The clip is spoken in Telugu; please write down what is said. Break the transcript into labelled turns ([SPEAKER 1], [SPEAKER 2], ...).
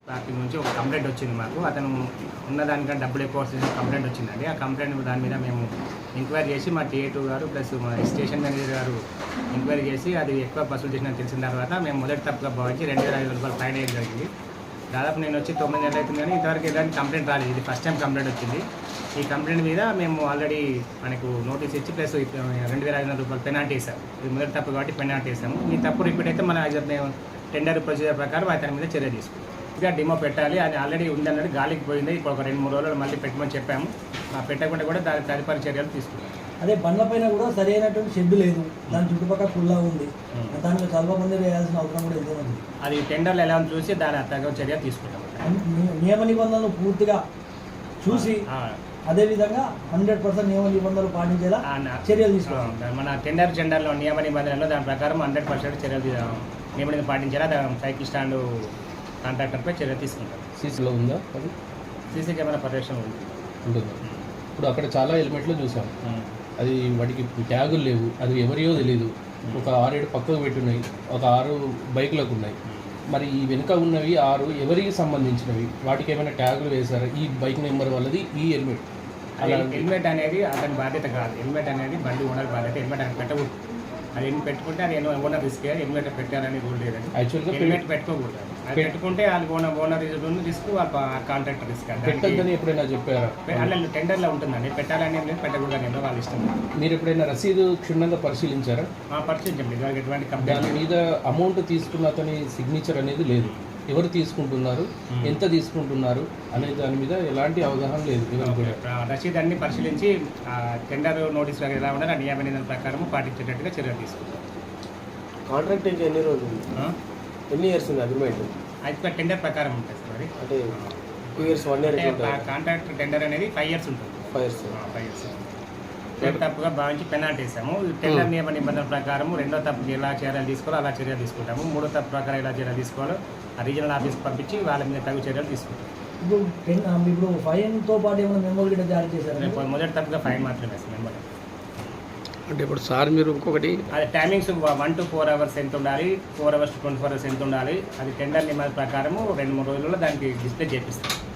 [SPEAKER 1] పార్టీ నుంచి ఒక కంప్లైంట్ వచ్చింది మాకు. అతను ఉన్నదానికంటే డబ్బులు ఎక్కువ వస్తుంది కంప్లైంట్ వచ్చిందండి. ఆ కంప్లైంట్ దాని మీద మేము ఎంక్వైరీ చేసి మా TA2 గారు ప్లస్ మా స్టేషన్ మేనేజర్ గారు ఎంక్వైరీ చేసి అది ఎక్కువ వసూలు చేసినట్టు తెలిసిన తర్వాత మేము మొదటి తప్పుగా భావించి 2,500 రూపాయలు ఫైన్ వేయడం జరిగింది. దాదాపు నేను వచ్చి 9 నెలలు అవుతుంది కానీ ఇంతవరకు ఎలాంటి కంప్లైంట్ రాలేదు. ఇది ఫస్ట్ టైం కంప్లైంట్ వచ్చింది. ఈ కంప్లైంట్ మీద మేము ఆల్రెడీ మనకు నోటీస్ ఇచ్చి ప్లస్ 2,500 రూపాయలు పెనాల్టీ వేసాము. ఇది మొదటి తప్పు కాబట్టి పెనాల్టీ వేసాము. ఈ తప్పు రిపీట్ అయితే మన మేము టెండర్ ప్రొసీజర్ ప్రకారం అతని మీద చర్య తీసుకుంటాం. ఇక డిమో పెట్టాలి, అది ఆల్రెడీ ఉందన్నది గాలికి పోయింది. ఇప్పుడు ఒక 2-3 రోజులు మళ్ళీ పెట్టమని చెప్పాము. పెట్టకుండా కూడా దాని తదుపరి చర్యలు తీసుకుంటాం.
[SPEAKER 2] అదే బండ్ల పైన కూడా సరైనటువంటి షెడ్ లేదు, దాని చుట్టుపక్కల కుల్లా ఉంది, దాంట్లో చాలా మంది వేయాల్సిన అవసరం కూడా ఎంతో ఉంది.
[SPEAKER 1] అది టెండర్లు ఎలా చూసి దాని తగ్గ చర్య తీసుకుంటాం.
[SPEAKER 2] నియమ నిబంధనలు పూర్తిగా చూసి అదేవిధంగా 100% నియమ నిబంధనలు పాటించేలా చర్యలు తీసుకోవాలి.
[SPEAKER 1] మన టెండర్లో నియమ నిబంధనలు దాని ప్రకారం 100% చర్యలు నియమ నిబంధనలు పాటించేలా సైకిల్ స్టాండ్ కాంట్రాక్టర్పై చర్య తీసుకుంటారు.
[SPEAKER 3] సీసీలో ఉందా? అది
[SPEAKER 1] సీసీ కెమెరా పర్యవేక్షణ
[SPEAKER 3] ఉంటుంది. ఇప్పుడు అక్కడ చాలా హెల్మెట్లు చూసాం, అది వాటికి ట్యాగులు లేవు, అది ఎవరియో తెలియదు. ఒక 6-7 పక్కకు పెట్టున్నాయి, ఒక 6 బైకులకు ఉన్నాయి. మరి ఈ వెనుక ఉన్నవి 6 ఎవరికి సంబంధించినవి? వాటికి ఏమైనా ట్యాగులు వేశారా? ఈ బైక్ నెంబర్ వాళ్ళది ఈ హెల్మెట్.
[SPEAKER 1] హెల్మెట్ అనేది అతని బాధ్యత కాదు. హెల్మెట్ అనేది బండి ఓనర్ బాధ్యత. హెల్మెట్ అని పెట్టకూడదు. అది పెట్టుకుంటే అది ఓనర్ రిస్క్. హెల్మెట్ పెట్టాలని రూల్ లేదండి.
[SPEAKER 3] యాక్చువల్గా
[SPEAKER 1] హెల్మెట్ పెట్టుకోకూడదు. అది పెట్టుకుంటే వాళ్ళకి ఓనర్ రిస్క్, వాళ్ళ కాంట్రాక్టర్ రిస్క్.
[SPEAKER 3] పెట్టద్దని ఎప్పుడైనా చెప్పారా?
[SPEAKER 1] అలా టెండర్లో ఉంటుందండి. పెట్టాలని ఏం లేదు, పెట్టకూడదని ఏమో వాళ్ళ ఇష్టం.
[SPEAKER 3] మీరు ఎప్పుడైనా రసీదు క్షుణ్ణంగా పరిశీలించారా?
[SPEAKER 1] పరిశీలించండి. ఇవాళ ఎటువంటి కంప్లైంట్
[SPEAKER 3] దాని మీద అమౌంట్ తీసుకున్న అతని సిగ్నేచర్ అనేది లేదు. ఎవరు తీసుకుంటున్నారు, ఎంత తీసుకుంటున్నారు అనే దాని మీద ఎలాంటి అవగాహన లేదు. ఎవరు కూడా
[SPEAKER 1] రసీదు అన్ని పరిశీలించి టెండర్ నోటీస్ ఎలా ఉండాలి ఆ నియమ నిబంధనల ప్రకారం పాటించేటట్టుగా చర్యలు తీసుకుంటారు.
[SPEAKER 4] కాంట్రాక్ట్ ఇంకా ఎన్ని రోజులు, ఎన్ని ఇయర్స్ ఉంది అగ్రిమెంట్?
[SPEAKER 1] అయితే టెండర్ ప్రకారం ఉంటుంది సార్.
[SPEAKER 4] అంటే 2 years 1 year
[SPEAKER 1] కాంట్రాక్ట్ టెండర్ అనేది 5 years ఉంటుంది.
[SPEAKER 4] 5 years.
[SPEAKER 1] 5 years తప్పుగా భావించి పెనాల్టీ వేసాము. టెండర్ నియమ నిబంధనల ప్రకారం 2వ తప్పుకి ఎలా చర్యలు తీసుకోవాలో అలా చర్యలు తీసుకుంటాము. 3వ తప్పు ప్రకారం ఎలా చర్యలు తీసుకోవాలో ఆ రీజనల్ ఆఫీస్కి పంపించి వాళ్ళ మీద తగు చర్యలు తీసుకుంటాం.
[SPEAKER 2] ఇప్పుడు ఫైన్తో పాటు ఏమైనా మెమోలు గిట్ట జారీ చేశారు?
[SPEAKER 1] మొదటి తప్పుగా ఫైన్ మాత్రమే వేస్తాం. మెమోరీ
[SPEAKER 3] అంటే ఇప్పుడు సార్ మీరు ఇంకొకటి
[SPEAKER 1] అది టైమింగ్స్ 1 to 4 hours ఎంత ఉండాలి, 4 hours to 24 hours ఎంత ఉండాలి, అది టెండర్ నియమాల ప్రకారము 2-3 రోజుల్లో దానికి డిస్ప్లే చేపిస్తాం.